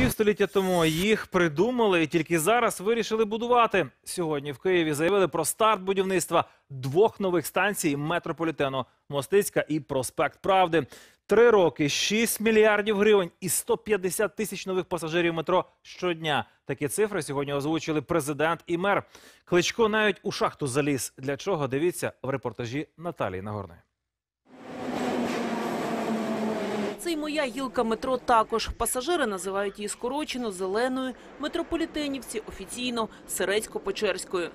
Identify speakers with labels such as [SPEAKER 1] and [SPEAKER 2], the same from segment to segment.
[SPEAKER 1] Півстоліття тому їх придумали і тільки зараз вирішили будувати. Сьогодні в Києві заявили про старт будівництва двох нових станцій метрополітену – Мостицька і Проспект Правди. 3 роки, 6 мільярдів гривень і 150 тисяч нових пасажирів метро щодня. Такі цифри сьогодні озвучили президент і мер. Кличко навіть у шахту заліз. Для чого? Дивіться в репортажі Наталії Нагорної.
[SPEAKER 2] Це й моя гілка метро також. Пасажири називають її скорочено зеленою, метрополітенівці офіційно Сирецько-Печерською.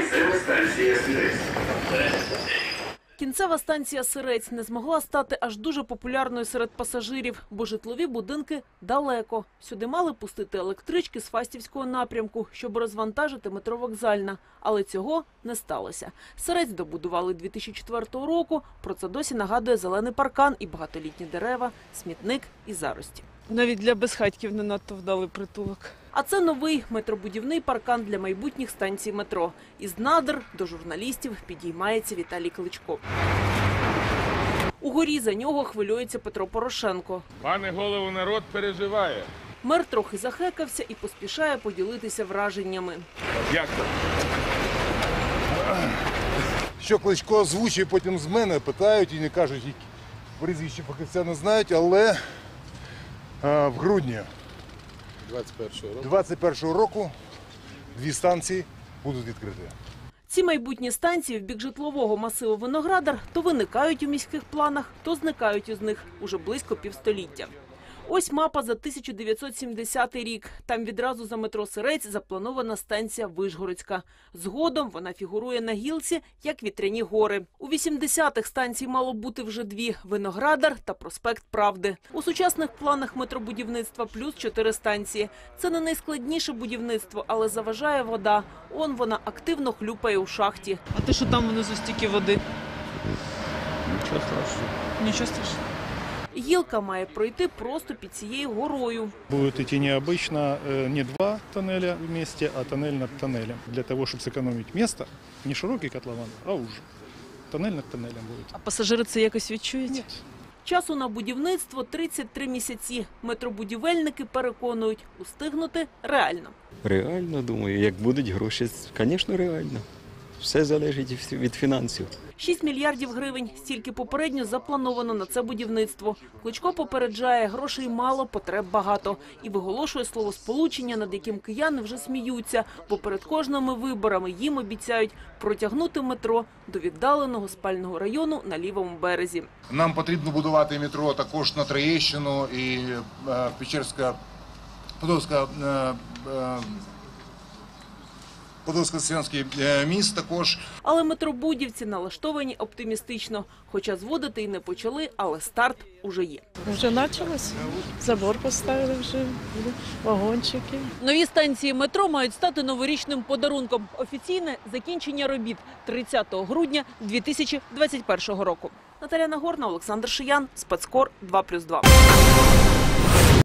[SPEAKER 2] Кінцева станція Сирець не змогла стати аж дуже популярною серед пасажирів, бо житлові будинки далеко. Сюди мали пустити електрички з Фастівського напрямку, щоб розвантажити метро Вокзальна. Але цього не сталося. Сирець добудували 2004 року, про це досі нагадує зелений паркан і багатолітні дерева, смітник і зарості.
[SPEAKER 3] Навіть для безхатьків не надто вдалий притулок.
[SPEAKER 2] А це новий метробудівний паркан для майбутніх станцій метро. Із надр до журналістів підіймається Віталій Кличко. Угорі за нього хвилюється Петро Порошенко.
[SPEAKER 4] Пане голово, народ переживає.
[SPEAKER 2] Мер трохи захекався і поспішає поділитися враженнями.
[SPEAKER 4] Як так?
[SPEAKER 5] Що Кличко озвучує, потім з мене питають і не кажуть, які прізвища фахівця не знають, але в грудні 2021 року 2 станції будуть відкриті.
[SPEAKER 2] Ці майбутні станції в бік житлового масиву Виноградар то виникають у міських планах, то зникають із них уже близько півстоліття. Ось мапа за 1970 рік. Там відразу за метро Сирець запланована станція Вишгородська. Згодом вона фігурує на гілці, як Вітряні гори. У 80-х станцій мало бути вже 2 – Виноградар та Проспект Правди. У сучасних планах метробудівництва плюс 4 станції. Це не найскладніше будівництво, але заважає вода. Он вона активно хлюпає у шахті.
[SPEAKER 3] А те, що там внизу стільки води?
[SPEAKER 6] Нічого страшного.
[SPEAKER 3] Нічого страшного.
[SPEAKER 2] Гілка має пройти просто під цією горою.
[SPEAKER 6] Будет идти необычно, не 2 тоннеля вместе, а тоннель над тоннелем. Для того, чтобы сэкономить место, не широкий котлован, а уже. Тоннель над тоннелем будет.
[SPEAKER 3] А пасажири це якось відчують?
[SPEAKER 6] Нет.
[SPEAKER 2] Часу на будівництво 33 місяці. Метробудівельники переконують, устигнути реально.
[SPEAKER 7] Реально, думаю, як будуть гроші, звісно, реально. Все залежить від фінансів.
[SPEAKER 2] 6 мільярдів гривень. Стільки попередньо заплановано на це будівництво. Кличко попереджає, грошей мало, потреб багато. І виголошує словосполучення, над яким кияни вже сміються. Бо перед кожними виборами їм обіцяють протягнути метро до віддаленого спального району на лівому березі.
[SPEAKER 5] Нам потрібно будувати метро також на Троєщину і Подольсько-Сіянський міст також.
[SPEAKER 2] Але метробудівці налаштовані оптимістично. Хоча зводити і не почали, але старт уже є.
[SPEAKER 3] Вже почалось. Забор поставили вже, вагончики.
[SPEAKER 2] Нові станції метро мають стати новорічним подарунком. Офіційне закінчення робіт 30 грудня 2021 року. Наталія Нагорна, Олександр Шиян, Спецкор 2+2.